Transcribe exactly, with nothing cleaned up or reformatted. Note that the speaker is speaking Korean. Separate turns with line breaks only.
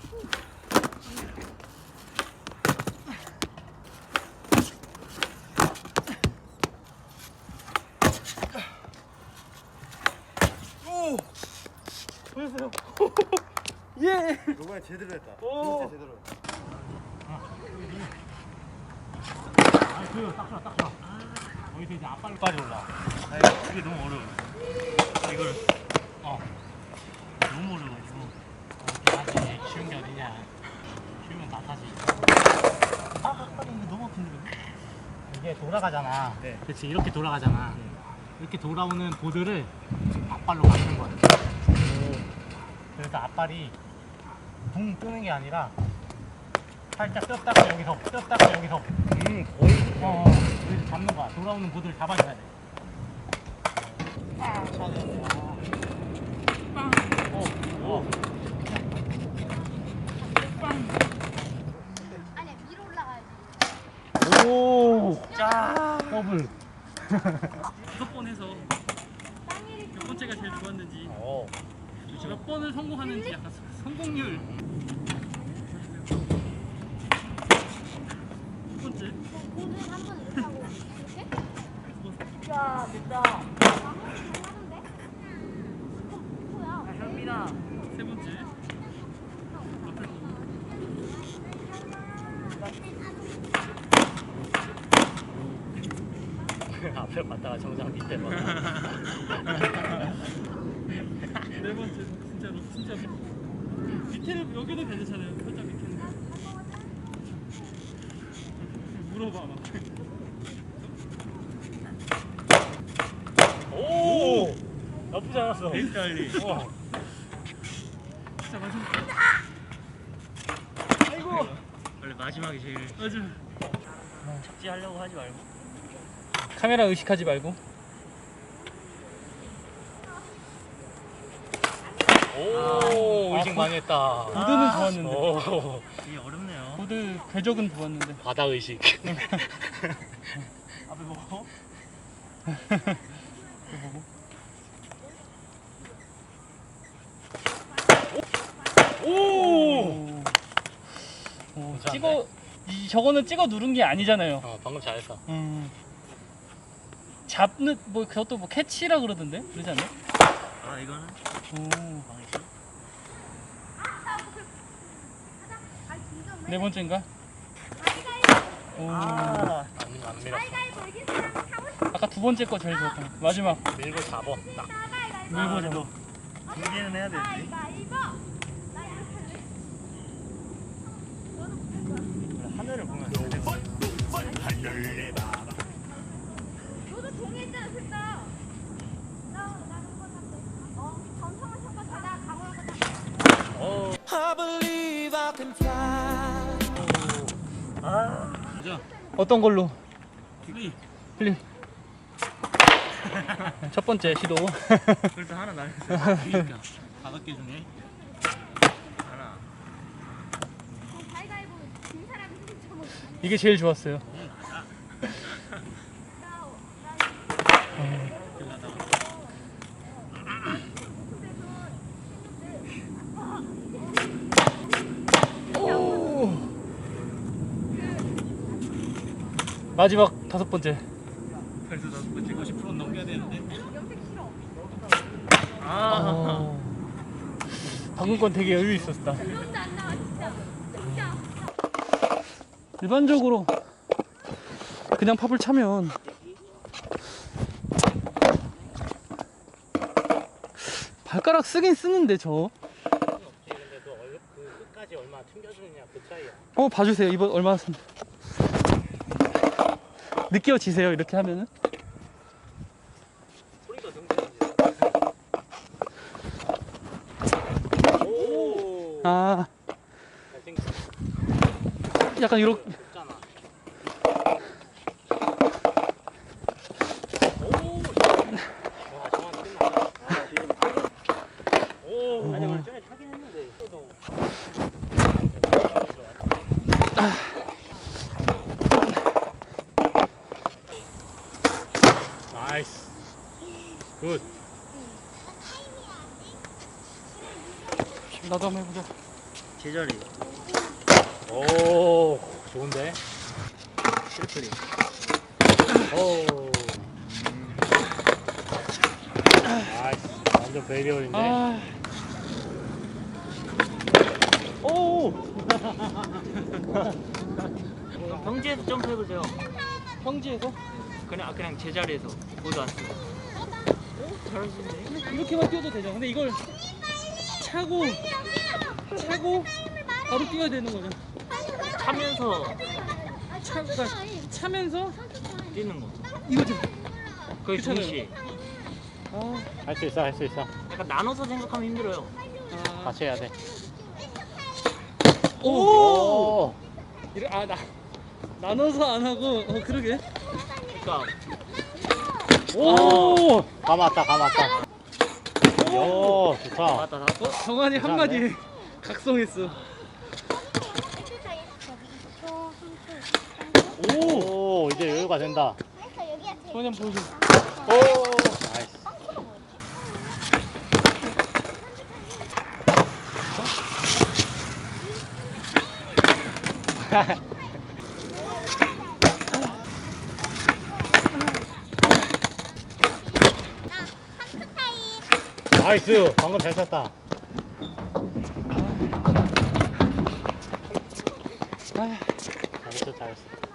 오! 보였어요? 예!
이번에 제대로 했다.
오!
진짜 제대로 했다.
아, 그거 딱 좋아, 딱 좋아. 거기서 이제 앞발로까지 올라. 아, 이게 너무 어려워. 이걸, 어. 너무 어려워가지고. 어, 이렇게 하지. 쉬운 게 어디냐. 쉬우면 다 타지. 아, 앞발이 이거 너무 아픈데, 이게 돌아가잖아.
네.
그렇지, 이렇게 돌아가잖아. 이렇게 돌아오는 보드를 앞발로 맞는 거야. 그래서 앞발이 붕 뜨는 게 아니라 살짝 떴다가 여기서 떴다가 여기서
음, 거의.
어, 어, 여기서 잡는 거야. 돌아오는 보드를 잡아줘야 돼. 아, 차네. 빵. 어, 어. 빵.
아니 위로 올라가야지.
오, 짜. 더블.
다섯 번 해서 몇 번째가 제일 좋았는지,
어.
몇 번을 성공하는지 약간 성공률. 첫 번째.
보드 한번 이렇게 하고 이렇게?
야, 됐다.
아, 잘하는데? 뭐야?
현민아.
세 번째. 앞을 보고.
앞에 봤다가 정상 밑에 봐.
네 번째. 진짜로, 진짜로. 밑에는, 여기는 괜찮아요. 살짝 밑에는. 물어봐, 막.
오! 나쁘지 않았어.
베이스 달리.
와.
진짜 마지막.
아이고. 원래 마지막이 제일.
맞아.
착지하려고 하지 말고.
카메라 의식하지 말고.
오,
아,
의식
보-
많이 했다.
보드는 좋았는데.
오, 이게 어렵네요.
보드 궤적은 좋았는데.
바다 의식.
앞에 보고.
오!
오. 오,
괜찮은데?
찍어 이 저거는 찍어 누른 게 아니잖아요.
어, 방금 잘했어.
음. 잡는 뭐 그것도 뭐 캐치라 그러던데 그러지 않나?
아, 이거는
오.
방이지.
네 번째인가? 오.
아, 안, 안 밀었어.
아까 두 번째 거 제일 좋았던 거. 마지막
밀고 잡어. 딱.
밀고 잡아.
두 개는 해야 되지. 하늘을 보면 잘 되고.
너도 동의했잖아, 진짜. 나 나 한번 할게. 어, 전성을 한번 가자. 가고 한번
오.
I believe I can fly.
아.
가자.
어떤 걸로?
플리.
플리.
첫 번째 시도.
그래도 하나 날렸어.
그러니까 다섯 개 중에
하나.
가위바위보 진 사람이 승점 먹
이게 제일 좋았어요. 마지막 다섯 번째.
그래서 다섯 번째 오십 퍼센트 넘겨야 되는데.
염색 싫어.
아.
어... 방금 건 되게 여유 있었다.
그런데 안 나와, 진짜. 진짜.
일반적으로 그냥 팝을 차면 발가락 쓰긴 쓰는데 저.
근데 너 얼- 그 끝까지 얼마 튕겨주느냐 그 차이야.
어 봐주세요. 이번 얼마나 쓴. 느껴지세요 이렇게 하면은?
소리가 등지는지. 오.
아
잘생겼어.
약간 이렇게.
없잖아. 오. 와, 정확히 끝났다. 오. 아니 원래 전에 타긴 했는데. 또 나이스. 굿.
나도 한번 해보자.
제자리. 오, 좋은데? 트리플링. 오. 나이스. 완전 베리얼인데?
아. 오.
평지에서 점프해보세요.
평지에서
그냥, 그냥 제자리에서. 보도 안 쓰고. 잘하시네.
이렇게만 뛰어도 되죠. 근데 이걸 차고 차고 바로 뛰어야 되는 거죠.
차면서
차, 그러니까 차면서
뛰는 거.
이거죠.
거의
그렇잖아요.
동시에.
아,
할 수 있어, 할 수 있어.
약간 나눠서 생각하면 힘들어요.
아.
같이 해야 돼.
오.
오!
이래 아 나 나눠서 안 하고 어 그러게.
그러니까
오! 감았다, 감았다. 오, 좋다.
나왔다
어
나왔다.
정한이 한 마디에 각성했어.
오, 이제 여유가 된다.
정한이 한번 보여줘.
오! 나이스. 나이스. 방금 잘 쳤다.
아,
잘했어, 잘했어.